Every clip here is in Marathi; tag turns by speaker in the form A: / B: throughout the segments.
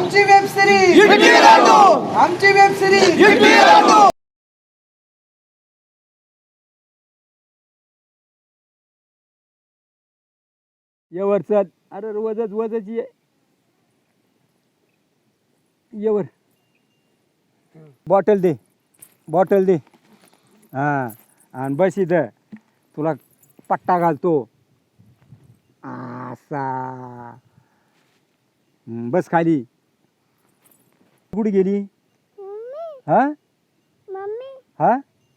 A: आमची वेब सिरीज आमची वेब सिरीज
B: येवर चल. अरे वजच ये येवर. बॉटल दे हा. आणि बस इथं तुला पट्टा घालतो असा. बस खाली. कुठे गेली? हा
C: मम्मी
B: हा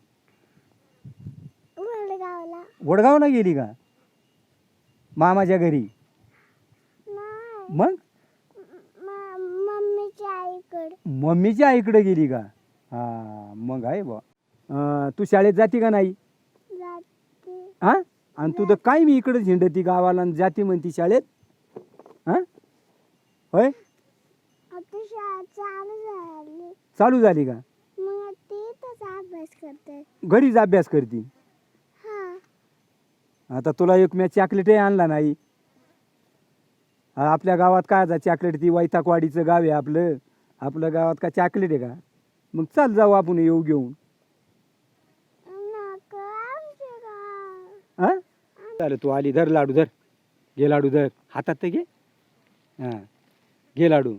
C: वडगावला
B: वडगावला गेली का? मामाच्या घरी?
C: नाही
B: मग
C: मम्मीच्या आईकडे.
B: मम्मीच्या आईकडे गेली का? हा मग आहे बा. तू शाळेत जाती का नाही?
C: जाते.
B: हा. आणि तू तर काय मी इकडे झेंडती गावाला आणि जाती म्हणती शाळेत? हा होय.
C: आता शाळा चालू झाली.
B: चालू झाली का?
C: मग तिथंच अभ्यास करते.
B: घरीच अभ्यास करती?
C: हा
B: आता तुला एक मी चॉकलेटही आणला नाही. आपल्या गावात काय चॉकलेट? ती वैतागवाडीचं गाव आहे आपलं. आपल्या गावात का चॉकलेट आहे का? मग चल जाऊ आपण येऊ घेऊन.
C: नको आमच्या गाव.
B: हा चालेल. तू आली. धर लाडू, धर. घे लाडू, धर हातात ते घे. हा घे लाडू.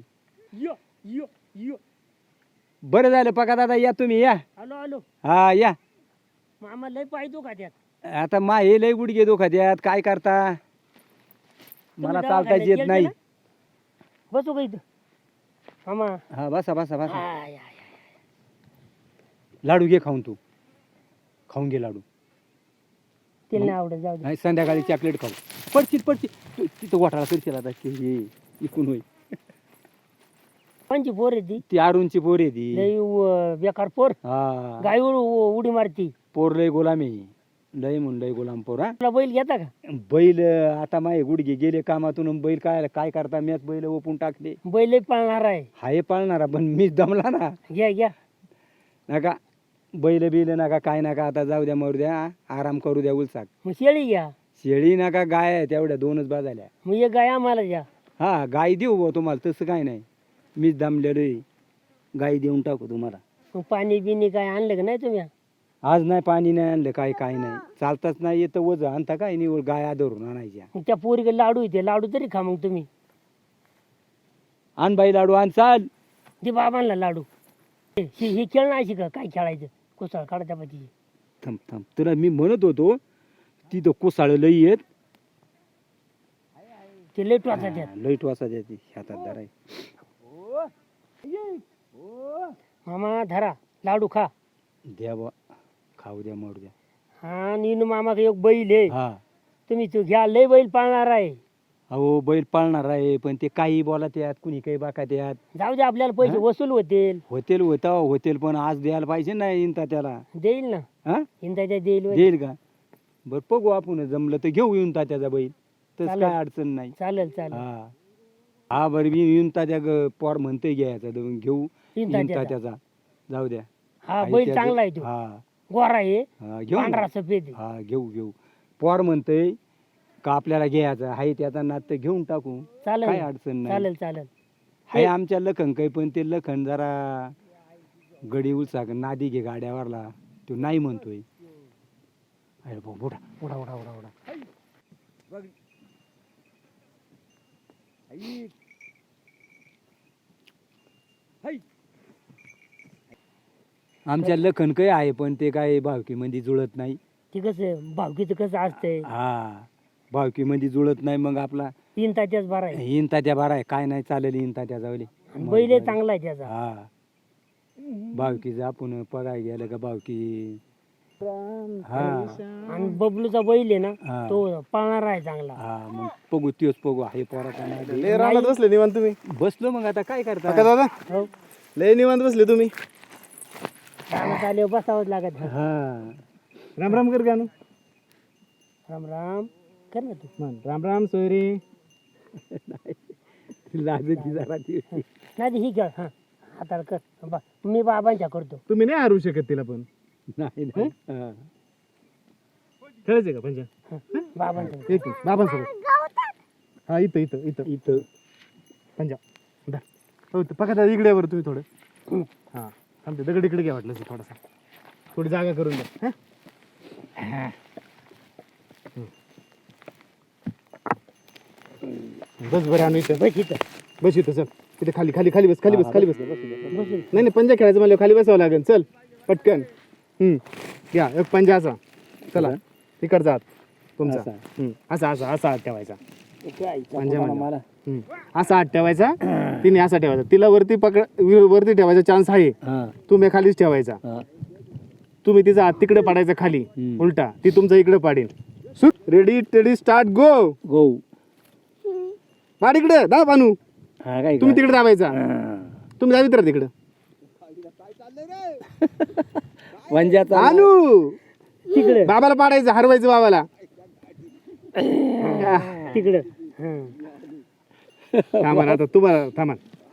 B: बरं झालं पका दादा. या तुम्ही या.
D: आलो
B: हा या.
D: मामा लय पाहिजो का त्यात?
B: आता मा हे लय गुडघे दुखत्यात. काय करता? मला चालताच येत नाही.
D: बसू का इथं मामा?
B: हा बसा बसा बसा.
D: I, I, I.
B: लाडू घे खाऊन. तू खाऊन घे लाडू.
D: तिला नाही आवडत, जाऊ दे.
B: नाही संध्याकाळी चॉकलेट खाऊ. पडशील तिथं वाटाळा करशील आता. हे इकून होईल.
D: कोणची पोर आहे ती?
B: ती अरुणची पोर आहे ती.
D: लय बेकार पोर.
B: हा
D: गायवर उडी मारती.
B: पोर लय गोलाम आहे. लय म्हणून लय गोलाम पोर. हा
D: तुला बैल घेता का?
B: बैल आता माझे गुडघे गेले कामातून. आणि बैल काय करता? मॅच बैल ओपून टाकले.
D: बैल लय पाळणार आहे.
B: हाय पाळणारा पण मीच दमला ना.
D: घ्या
B: नका बैल बिल नका काय नका. आता जाऊ द्या मरू द्या. आराम करू द्या उलसाक.
D: मग शेळी घ्या.
B: शेळी नका गाय आहे तेवढ्या दोनच बाजाल्या.
D: मग एक गाय आम्हाला द्या.
B: हा गाय देऊ भाऊ तुम्हाला. तसं काय नाही. मीच दमलेलो आहे. गाय देऊन टाकू तुम्हाला.
D: मग पाणी बिनी काय आणलं का नाही तुम्ही?
B: आज नाही पाणी नाही आणलं. काय नाही. चालताच नाही येतं. वज आणता काय निवड गाय आदरून आणायच्या.
D: मग त्या पोरीकडे लाडू येते. लाडू तरी खा मग तुम्ही.
B: आण बाई लाडू आण. चाल.
D: ते बाबांना लाडू. ही खेळ नाही का? काय खेळायचं? कुसाळ काढता पाहिजे.
B: थांब तुला मी म्हणत होतो तिथं कोसाळ लई येत.
D: ते लय टोचा त्यात.
B: लई टोसा द्यायची हातात धराय.
D: मामा धरा लाडू खा.
B: द्या बा खाऊ द्या मरू द्या.
D: हा नीनू मामा एक बैल आहे.
B: हा
D: तुम्ही तो घ्या. लय बैल पाळणार आहे.
B: अहो बैल पाळणार आहे पण ते काही बोला त्यात कुणी काही बाका त्यात.
D: जाऊ दे आपल्याला पैसे वसूल होतील.
B: होतील पण आज द्यायला पाहिजे ना इंता त्याला.
D: देईल ना.
B: हा
D: इंदाच्या देईल होय.
B: देईल का? बर बघू आपण जमलं तर घेऊ येऊन त्याचा बैल. तस
D: चालेल.
B: काय अडचण नाही.
D: चालेल
B: हा हा बरं मी येऊन त्या पोर म्हणतोय घ्यायचा घेऊ
D: इंदाच्या.
B: त्याचा. जाऊ द्या.
D: हा
B: आहे
D: बैल
B: त्याचं.
D: चांगला आहे तो.
B: हा
D: गोरा आहे.
B: हा घेऊ
D: पांढरा
B: ना.
D: सफेद आहे.
B: हा घेऊ पोर म्हणतोय का आपल्याला घ्यायचं आहे त्याचा नाद तर घेऊन टाकू.
D: चालेल
B: काय
D: ना.
B: अडचण नाही.
D: चालेल
B: हाय आमच्या लखन काही पण ते लखन जरा गडी उलसा नादी घे गाड्यावरला. तो नाही म्हणतोय. अरे भाऊ उडा. आमच्या लखन काही आहे पण ते काय भावकी मध्ये जुळत नाही.
D: ते कसं भावकीचं कसं असतंय.
B: हा भावकी मध्ये जुळत नाही. मग आपला
D: इंताच्याच बरा आहे.
B: इंता त्या बारा आहे. काय नाही चालेल इंता त्या जावले.
D: आणि बैल आहे चांगला आहे त्याचा.
B: हा भावकीचं आपण पगाय गेलं का भावकी. हा
D: आणि बबलूचा बैल आहे ना
B: हा.
D: तो पाळणार आहे चांगला.
B: हा मग बघू त्योच बघू. आहे पोराचा नाही.
E: लय रानात बसले निवांत तुम्ही.
B: बसलो मग आता काय करता.
E: काका दादा
D: हो
E: लय निवांत बसले तुम्ही.
D: रानात आल्यावर बसावंच लागत.
B: हा
E: राम राम कर गाणं.
D: राम राम कर ना तू.
E: म्हण राम राम सोयरे.
B: लाजची जरा ती.
D: नाही ही खेळ. हा हाताला कर. मी बाबांच्या करतो.
E: तुम्ही नाही हरू शकत तिला पण.
B: नाही नाही. हा.
E: खेळायचे का पंचा?
D: बाबांच्या.
E: एक बाबांसोबत. हा इथं
B: इथं
E: पंजा. हो ते पका दादा इकडे वर तुम्ही थोडं हा थांबते दगड इकडे घ्या वाटलं थोडासा थोडी जागा करून द्या हा? बस बरं आणू इथं बस इथं चल इथे खाली खाली खाली बस खाली बस खाली बस नाही नाही पंजा खेळायचं मला खाली बसावं लागेल चल पटकन या एक पंजा असा चला तिकडचा हात तुमचा असा असा असा हात ठेवायचा पंजा मला असा हात ठेवायचा तिने असा ठेवायचा तिला वरती वरती ठेवायचा चान्स आहे तुम्ही खालीच ठेवायचा तुम्ही तिचा हात तिकडे पाडायचा खाली उलटा ती तुमचा इकडे पाडेल ready steady start go
B: go
E: पाड इकडे दाब आणू
B: हा काय
E: तुम्ही तिकडे दाबायचा तुम्ही दाबित राहा तिकडे
B: वंजाचा
E: आणू
D: तिकडे
E: बाबाला पाडायचं हरवायचं बाबाला
D: तिकडे
E: थांबा आता तुम्हाला थांबा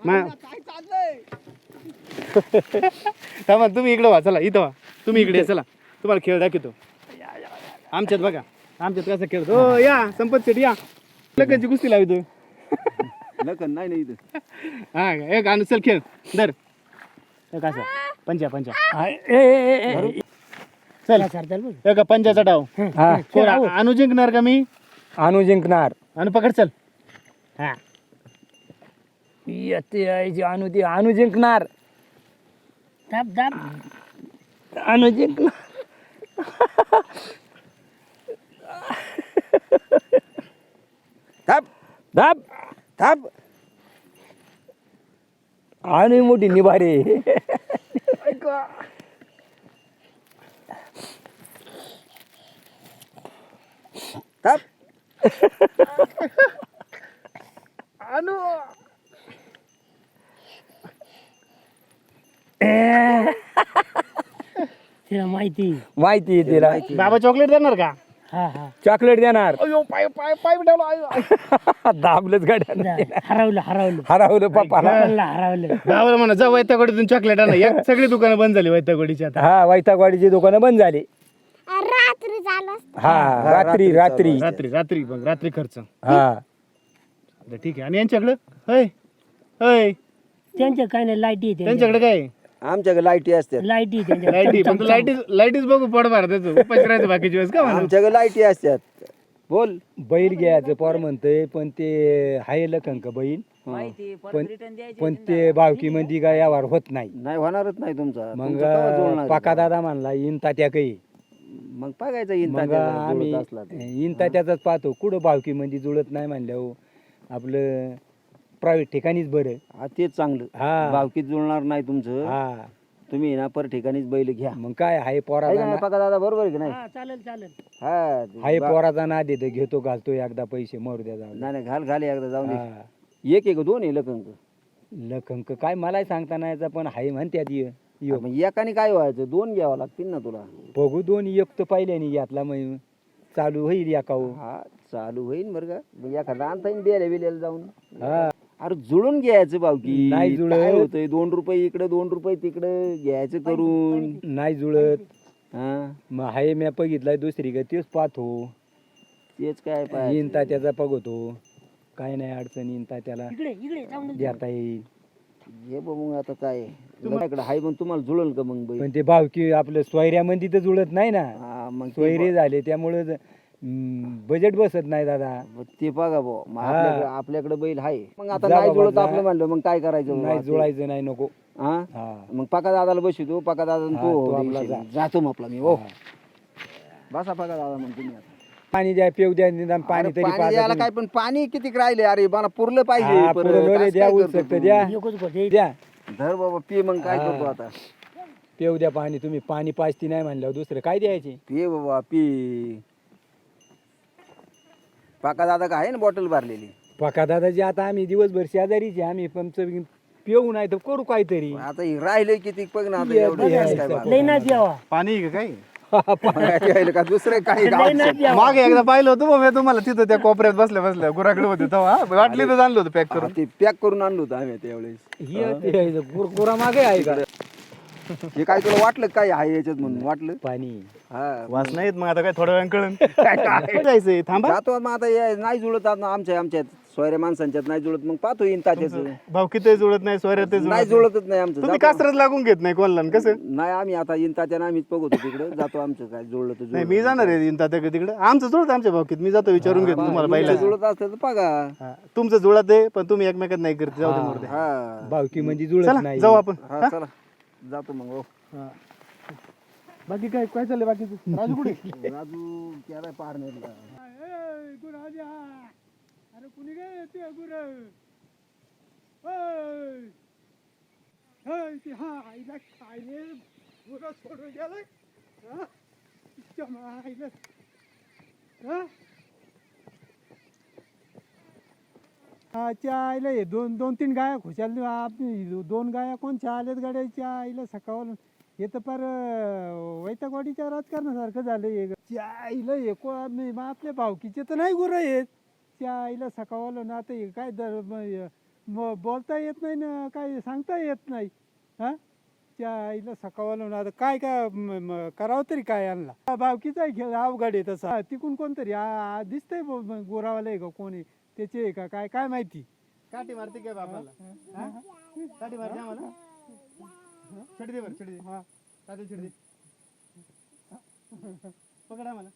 E: थांबा तुम्ही इकडे व्हा चला इथं व्हा तुम्ही इकडे या, चला तुम्हाला खेळ दाखवतो आमच्यात बघा आमच्यात कसं खेळतो हो या संपत शेट या लग्नाची कुस्ती लावतो
B: नाही इथं
E: हा एक आणू चल खेळ धर एक असं पंचा पंचा चल एक पंचाचा डाव
B: हा
E: कोण आणू जिंकणार का मी
B: आणू जिंकणार
E: आणू पकड चल हा
B: येते यायची आणू ती आणू जिंकणार
D: दाब दाब
B: आणू जिंकणार थाप थाप थाप आणू मोठी निभारे थाप
E: आणू
D: तिला माहिती
B: माहिती आहे तिला
E: बाबा चॉकलेट देणार का
D: हा हा
B: चॉकलेट देणार
E: अयो पाय पाय पाय ठेवला
B: दाबलंच गाड्या
D: हरवलं हरवलं
B: हरवलं पप्पाला
D: हरवलं
E: बाबाला म्हणा जा वैतागोडीतून चॉकलेट आणा या सगळी दुकानं बंद झाली वैतागोडीची आता
B: हा वैतागवाडीची दुकानं बंद झाली
C: रात्री झालं
B: हा रात्री रात्री
E: रात्री रात्री मग रात्री खर्च
B: हा
E: ठीक आहे आणि यांच्याकडं होय होय
D: त्यांच्या काय नाही लाईटी
E: त्यांच्याकडे काय
A: आमच्याकडे लाईटी असतात
D: लाईटी त्यांच्या
E: लाईटी पण लाईटीच बघू पड मार त्याचं उपास करायचं बाकीच्या वेळेस का म्हणा?
A: आमच्याकडे लाईटी असतात बोल
B: बैल घ्यायचं पोर म्हणतंय पण ते हाय लखंक बैल पण ते बावकी मध्ये काय यावर होत नाही
A: नाही होणारच नाही तुमचा
B: मग
A: तुमचं केव्हा जुळणार?
B: पाका दादा म्हणला इन तात्या काही
A: मग बघायचं येईन
B: मग
A: तात्याला
B: आम्ही
A: जुळत असला तर.
B: इन तात्याचाच पाहतो कुठं बावकी मध्ये जुळत नाही म्हणल्यावर आपलं प्रायव्हेट ठिकाणीच बरं
A: हा तेच चांगलं
B: हा
A: भावकीत जुळणार नाही तुमचं
B: हा
A: तुम्ही ना पर ठिकाणीच बैल घ्या
B: मग काय हाय
A: आहे का
B: पोराचा
A: नाही पका दादा बरोबर आहे की नाही
D: हा चालेल चालेल
A: हा
B: हाय पोराचा ना देतो घेतो घालतो एकदा पैसे मरू द्या जाऊ
A: नाही नाही घाल घाल एकदा जाऊन दे.
B: हा.
A: एक एक दोन आहे लखंक
B: लखंक काय मलाही सांगता नाही यायचं पण हाय म्हणत्यात यो
A: मग एकाने काय व्हायचं दोन घ्यावं लागतील ना तुला
B: बघू दोन एक तर पाहिल्याने यातला मग चालू होईल याकाऊ
A: हा चालू होईल बरं का मग एखादा आणता येईल द्यायला बिल्याला जाऊन
B: हा
A: अरे जुळून घ्यायचं भावकी
B: नाही जुळत.
A: काय होतंय 2 रुपये इकडे 2 रुपये तिकडे घ्यायचं करून
B: नाही जुळत
A: हा
B: मग हाय म्या बघितलाय दुसरी का तेच पाहतो
A: तेच काय पाहिजे
B: येईन तात्याचा बघतो काय नाही अडचण येईन तात्याला
D: इकडे इकडे जाऊन दे.
B: देता येईल
A: हे बघ मग आता काय तुमच्याकडे हाय मग तुम्हाला जुळल का मग बैल
B: पण ते भावकी आपलं सोयऱ्यामध्ये तर जुळत नाही ना
A: हा मग ते
B: सोयरे झाले त्यामुळे बजेट बसत नाही दादा
A: ते बघा भाऊ मग
B: हा.
A: आपल्याकडे बैल आहे मग आता
B: जा
A: नाही
B: बाबा,
A: जुळत
B: जा.
A: आपलं म्हणलं मग काय करायचं
B: नाही
A: बाबा?
B: जुळायचं नाही नको
A: हा
B: हा
A: मग पका दादाला बसू पका दादा
B: हा, तो
A: तो
B: आपला जा.
A: जातो मग आपला मी हो
B: हा.
A: बसा पका दादा म्हणतो मी आता
B: पाणी द्या पिऊ द्या निदान पाणी
A: अरे
B: तरी
A: पाणी
B: पाजा
A: द्यायला
B: तुम्ही.
A: काय पण पाणी किती राहिले अरे मला पुरलं पाहिजे
B: हा,
A: परत.
B: पुरं लोले
A: असं
B: द्या
A: काय करतो
B: उचलतं
A: तू?
B: द्या
D: एकच गोष्ट
B: द्या
A: धर बाबा पी मग काय
B: हा.
A: करतो आता
B: पिऊ द्या पाणी तुम्ही पाणी पाजती नाही म्हणल्यावर दुसरं काय द्यायचे
A: पी बाबा पी पाका दादा का आहे ना बॉटल भरलेली
B: पका दादाजी आता आम्ही दिवसभर शेजारीचे आम्ही पण पिऊ नाही तर करू काहीतरी
A: आता हे राहिले किती बघ ना आता
B: ये,
A: एवढं
B: ये,
A: गॅस
B: ये,
A: काय
B: ये.
A: बाबा.
D: लई ना द्यावा
E: पाणी आहे का काय
A: राहिलं का दुसरं काही
D: लई ना द्यावा
E: मागे एकदा पाहिलं होतं मग मी तुम्हाला तिथं त्या कोपऱ्यात बसल्या बसल्या गुराकडे होते तेव्हा वाटली तर आणलं होतं पॅक करून
A: ते पॅक करून आणलं होतं आम्ही त्यावेळेस
B: कुरकुरा मागे आहे का
A: हे काय तुला वाटलं काय आहे याच्यात म्हणून वाटलं
B: पाणी
A: हा
E: वास नाहीत मग आता काय थोड्या वेळ कळून काय जायचंय थांबा
A: जातो मग आता हे नाही जुळत आता आमच्या सोयऱ्या माणसांच्यात नाही जुळत मग पाहतो येईन तात्याचं.
E: भाऊ किती जुळत नाही सोयऱ्या ते
A: नाही जुळतच नाही आमचं.
E: तुम्ही
A: जातो.
E: कासरच लागून घेत नाही कोणाला आणि कसं
A: नाही आम्ही आता येईन तात्यानं आम्हीच बघतो तिकडे जातो आमचं काय जुळलं तर
E: नाही मी जाणार आहे इंता तिकडे आमचं जुळत आमच्या भावकीत मी जातो विचारून घेतो तुम्हाला पहिला
A: जुळत असतं तर बघा.
E: तुमचं जुळत आहे पण तुम्ही एकमेकात नाही करते जाऊ दे मोरदे.
A: हा
B: भावकी म्हणजे जुळत
E: चला
B: नाही.
E: जाऊ आपण
A: हा चला जातो मग. हो
E: बाकी काय काय चाललंय बाकीचं राजू कुठे
A: राजू क्या पार नाही
B: अरे कुणी काय ते गुर आईला खायले गुर सोडून गेलाय आईला हे दोन तीन गाया खुशाल दोन गाया कोणच्या आल्यात गाड्याच्या आईला सकाळ हे तर फार वैतागवाडीच्या राजकारणासारखं झालं आईला हे आपल्या भावकीचे तर नाही गुरं आहेत त्या आईला सकाळलं ना आता हे काय बोलता येत नाही ना काय सांगता येत नाही हा त्या आईला सकाळलं ना आता काय काय करावं तरी काय आणला भावकीचा खेळ अवघड आहे तसा तिकून कोणतरी दिसतंय गोरावाला आहे का कोणी त्याचे आहे का काय काय माहिती
E: काठी मारते काय बापाला काठी मारते आम्हाला छडी दे बरं छडी दे हा काठी छडी दे पकडा मला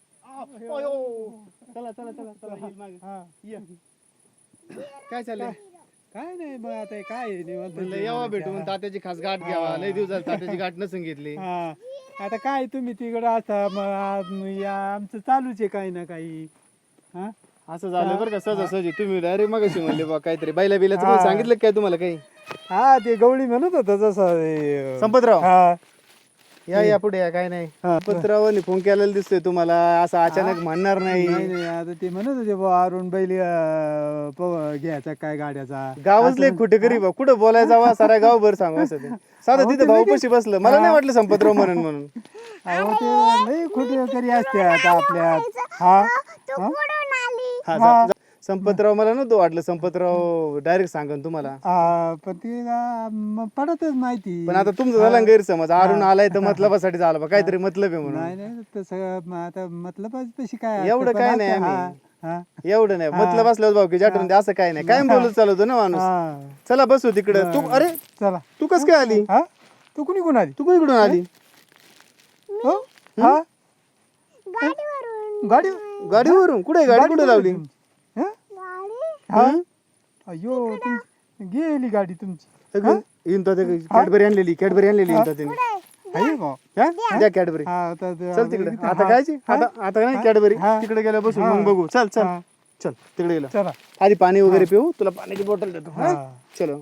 E: चला चला चला चला येईल मागे हा ये काय चाललंय
B: काय नाही मग आता काय
E: म्हणलं यावा भेटून तात्याची खास गाठ घ्यावा लय दिवस झाले तात्याची गाठ नसून घेतली
B: हा आता काय तुम्ही तिकडं आता आमचं चालूच आहे काही ना काही हा
E: असं झालं बरं का सहजासहजी तुम्ही डायरेक्ट मगाशी म्हणले बा काहीतरी बैला बिलाचं कोणी सांगितलं काय तुम्हाला काही
B: हा ते गवळी म्हणत होता जसं
E: संपतराव
B: हा
E: या पुढे या काय नाही संपतरावांनी फोन केलेला दिसतोय तुम्हाला असं अचानक म्हणणार नाही
B: नाही आता ते म्हणत होते बा अरुण बैल घ्यायचा काय गाड्याचा
E: गावच लय कुठे करी बा कुठं बोलायला जावा सारा गावभर सांगू असं ते साधं तिथं भाऊ कशी बसलं मला नाही वाटलं संपतराव म्हणून
B: अहो ते लय खोटे तरी असते आता आपल्यात हा
C: तू कुठून आली?
E: हा संपतराव मला नव्हतं वाटलं संपतराव डायरेक्ट सांगन तुम्हाला
B: पण ते पडतच माहिती
E: पण आता तुमचं झाला ना गैरसमज अरुण आलाय तर मतलबासाठी झाला बा काहीतरी मतलब आहे म्हणून
B: नाही नाही तसं आता मतलब तशी काय
E: एवढं
B: असतं,
E: काय
B: पण
E: नाही
B: आता
E: आम्ही. एवढं नाही मतलब असल्यावर भाऊ की जाटून असं काय नाही काय बोलत चालवतो ना माणूस
B: हा.
E: चला बसू तिकडं तू अरे
B: चला
E: तू कस काय आली
B: हा तू कुणी कोण आली
E: तू कुठून आली
B: हो हा
C: गाडीवरून
B: गाडी
E: गाडीवरून कुठे गाडी कुठे लावली
B: हं?
C: गाडी
B: हा अयो गेली गाडी तुमची
E: कॅडबरी आणलेली
B: आहे का?
E: द्या कॅडबरी
B: हा, आता ते-
E: चल तिकडे आता खायची आता नाही कॅडबरी
B: हा.
E: तिकडे गेल्या बसून मग बघू चल चल
B: हा.
E: चल तिकडे गेलो
B: चला
E: आधी पाणी वगैरे पिऊ तुला पाण्याची बॉटल देतो हा?
B: हा.
E: चलो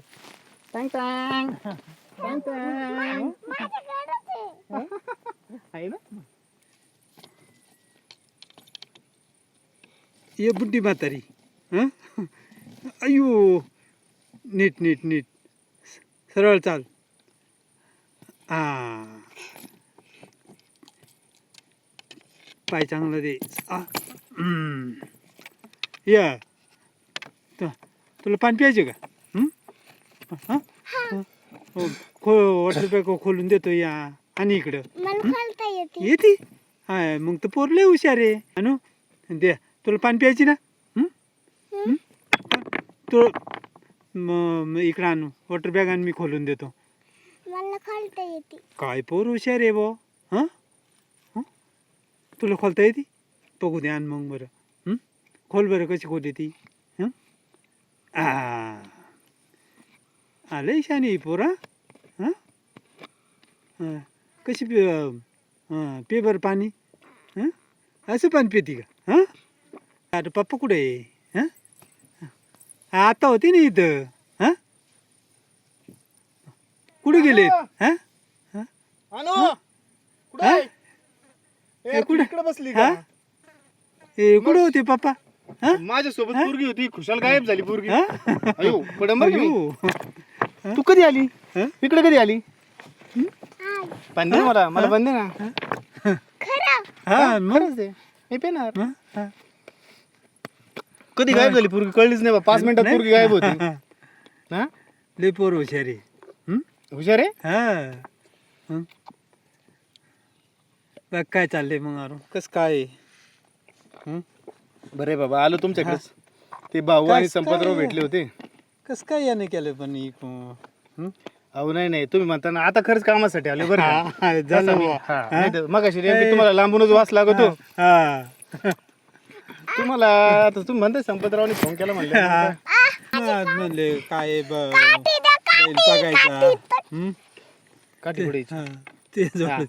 E: आहे ना
B: ये बुड्डी म्हातारी हं? अयो नीट नीट नीट सरळ चाल हा पाय चांगला दे या तुला पाणी प्यायचे का हं? हं? हो वॉटर बॅग खोलून देतो या आणि इकडं
C: मला खोलता येते.
B: येते हा मग तर पोर लय हुशार आहे अनु दे तुला पाणी प्यायची ना तू इकडं आणू वॉटर बॅग आणि मी खोलून देतो
C: मला खोलता येते.
B: काय पोर हुशार आहे बो हां तुला खोलता येते बघू दे आण मग बरं खोल बरं कशी खोलते ती लय शानी आहे पोर हां कशी पे बरं पाणी हां असं पाणी पिती का हां अरे पप्पा कुठे आहे हां आता होते ना इथं हां कुठे गेले हां
E: इकडे बसली का
B: हां ए कुठे होते पप्पा हां
E: माझ्यासोबत पोरगी होती खुशाल गायब झाली पोरगी
B: हां
E: अयो पडंबर की मी.
B: अयो.
E: तू कधी आली
B: हं?
E: इकडे कधी आली
C: आज
E: पण दे मला पण दे ना
C: खरं
B: हां मग
E: खरंच दे मी पेणार
B: हां हां
E: कधी गायब झाली पोरगी कळलीच नाही बा 5 मिनिटात पोरगी गायब होती हा
B: लय पोर हुशार आहे
E: हुशार आहे
B: हां बघ काय चाललंय मग अरू कस काय आहे?
E: बरे बाबा आलो तुमच्याकडेच ते भाऊ आणि
B: कस
E: संपतराव
B: काय?
E: भेटले होते.
B: कसं काय याने केलं पण
E: अहो नाही तुम्ही म्हणता ना आता खरंच कामासाठी आले बरं का?
B: झालं बुवा.
E: मग अशी तुम्हाला लांबूनच वास लागतो. तुम्हाला आता तुम्ही म्हणता संपतरावने फोन केला म्हणले
B: म्हणले काय बैल बघायचा
E: काठी पुढे
B: ते जोड.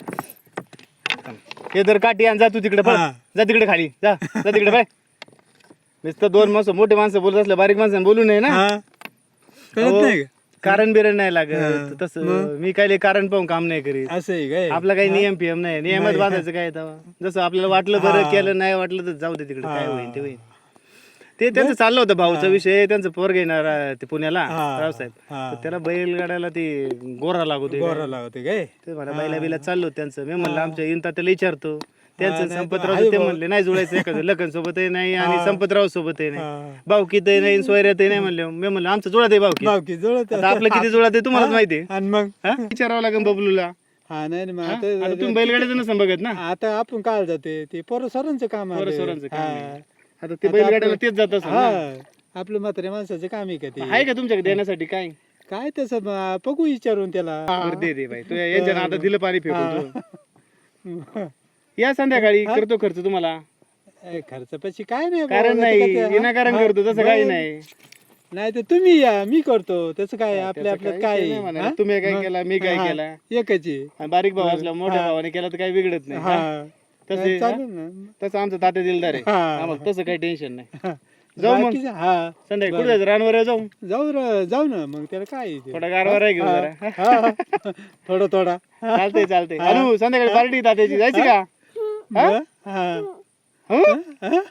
E: हे जर काठी आण जा तू तिकडे पळ.
B: हा.
E: जा तिकडे खाली जा जा तिकडे बाय. नुसतं दोन माणसं मोठे माणसं बोलत असलं बारीक माणसं बोलू नये ना.
B: कळत
E: अहो,
B: नाही का?
E: कारण बिरण नाही लागत
B: हा.
E: तसं मी काय लय कारण पाहून काम नाही करीत.
B: असं आहे काय?
E: आपला काही नियम पियम नाही नियमात बांधायचं काय तेव्हा जसं आपल्याला वाटलं बरं केलं नाही वाटलं तर जाऊ दे तिकडे काय होईल ते होईल. ते त्यांचं चाललं होतं भाऊचा विषय त्यांचं पोर घेणार ते पुण्याला रावसाहेब तर त्याला बैलगाड्याला ते गोरा लागवते
B: गोरा लावते काय?
E: ते मला बैला बिला चाललो होतं त्यांचं मी म्हणलं आमच्या इंता त्याला विचारतो त्यांचं
B: नाही,
E: संपतराव
B: आहे
E: ते
B: भाऊ.
E: म्हणले नाही जुळायचं एखादं लखन सोबतही नाही आणि संपतराव सोबतही नाही
B: हा.
E: भाऊकीतही नाही सोयऱ्यातही नाही म्हणले मी म्हणलं आमचं जुळत आहे भाऊकी
B: बावकी जुळत
E: आता आपलं किती जुळत आहे तुम्हालाच माहिती आहे.
B: आणि मग
E: हा? विचारावं लागेल बबलूला.
B: हा नाही ना, मग
E: हा? आता
B: आता
E: तुम्ही बैलगाड्याचं नसं बघत ना
B: आता आपण काय जाते ते पोरं सरांचं काम आहे.
E: पोरं-सोरांचं काम आहे.
B: हा.
E: आता ते बैलगाड्याला तेच जात असेल ना.
B: हा आपलं म्हातारे माणसाचं काम आहे का ते?
E: आहे का तुमच्याकडे देण्यासाठी काय
B: काय तसं बघू विचारून त्याला.
E: बरं दे बाई तू यांच्या आता दिलं पाणी फेकून तू. या संध्याकाळी करतो खर्च तुम्हाला
B: खर्च पैसे काय नाही
E: कारण
B: बाबा,
E: नाही
B: त्याचं काय ते,
E: विनाकारण
B: हा?
E: करतो तसं काही नाही.
B: नाही तर तुम्ही या मी करतो त्याचं काय आपल्या
E: त्याचं
B: आपल्यात
E: काही
B: काय
E: विषय
B: आहे?
E: नाही म्हणा.
B: हा?
E: तुम्ही काय
B: मग?
E: केला मी काय
B: हा.
E: केला
B: एकच आहे.
E: आणि बारीक भाऊ असला मोठ्या भावाने केला तर काही बिघडत नाही हा?
B: हा
E: तसे
B: चालेल ना.
E: तसं आमचं तात्या दिलदार आहे
B: हा.
E: आम्हाला तसं काही टेन्शन नाही. जाऊ मग
B: बाकीचं- हा
E: संध्याकाळी कुठे जायचं रानवर जाऊ
B: जाऊ ना मग त्याला काय आहे ते?
E: थोडा गारवार आहे घेऊ जरा
B: हा. थोडा
E: चालतंय अनु संध्याकाळी पार्टी तात्याची जायची का
B: हा? हा.
E: हं?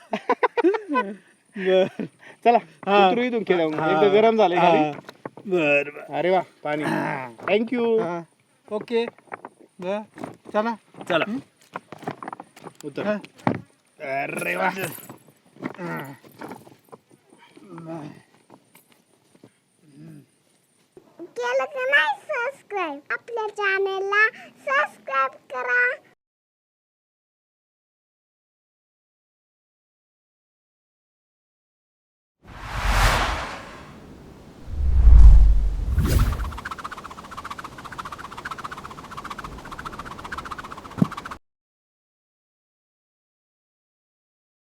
B: बर
E: चला उतरू इथून खेळा एकदा गरम झालंय खाली.
B: बर
E: अरे वा पाणी थँक्यू
B: ओके बर चला
E: चला उतर
B: हा.
E: अरे वा
C: केलं का नाही सबस्क्राईब आपल्या